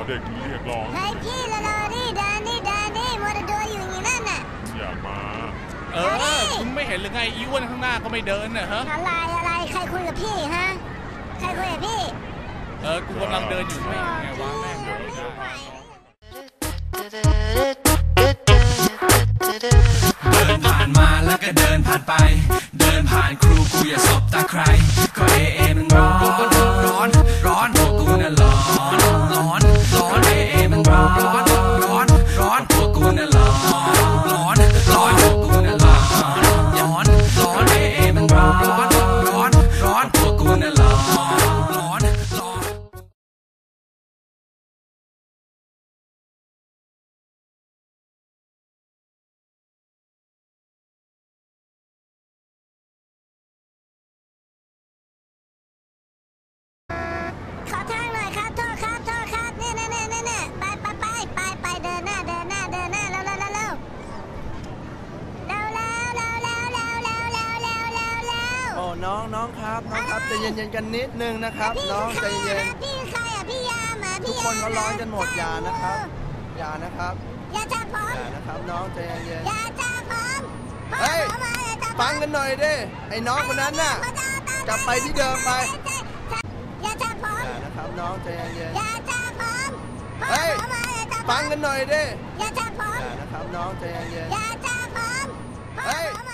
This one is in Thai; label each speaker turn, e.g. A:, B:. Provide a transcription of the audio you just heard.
A: เด็กเรียกร้อง
B: ให้พี่ละลอนี่เดินนี่มัวแต่ดูอยู่อย่างนั้นน่ะ
A: อย่ามา
C: คุณไม่เห็นหรือไงอีอ้วนข้างหน้าก็ไม่เดินน่ะฮะ
B: อะไรใครคุยกับพี่ฮะใครคุยกับพี่
C: กูกำลังเดินอยู่ไม่ไงวะแม่งเดิน
D: ผ่านมาแล้วก็เดินผ่านไปเดินผ่านครูกูอย่าสบตาใครก็เอมันร้อนพวกกูน่ะร้อนเอมันร้อนพวกกูน่ะร้อนพวกกูน่ะร้อนเอมันร้อนพวกกูน่ะร้อน
B: ขอทางหน่อยครับโทษครับเนี่ยไปเดินหน้าเร็ว
E: โอ้น้องครับใจเย็นๆกันนิดนึงนะครับน้องใจเย็น
B: พี่ใครอ่ะพี่ยามอ่ะ
E: ทุกคนเขาร้อนกันหมดอย่านะครับ
B: อย่าจับผม
E: อย่านะครับน้องใจเย็น
B: อย่าจับผม
E: เฮ้ยฟังกันหน่อยดิไอ้น้องคนนั้นน่ะกลับไปที่เดิมไป
B: อย่าจับผม
E: อย่านะครับน้องใจเย็น
B: อย่าจับผม
E: เฮ้ยฟังกันหน่อยดิ
B: อย่าจับผม
E: อย่านะครับน้องใจเย็น
B: อย่าจับผม
E: เฮ้ย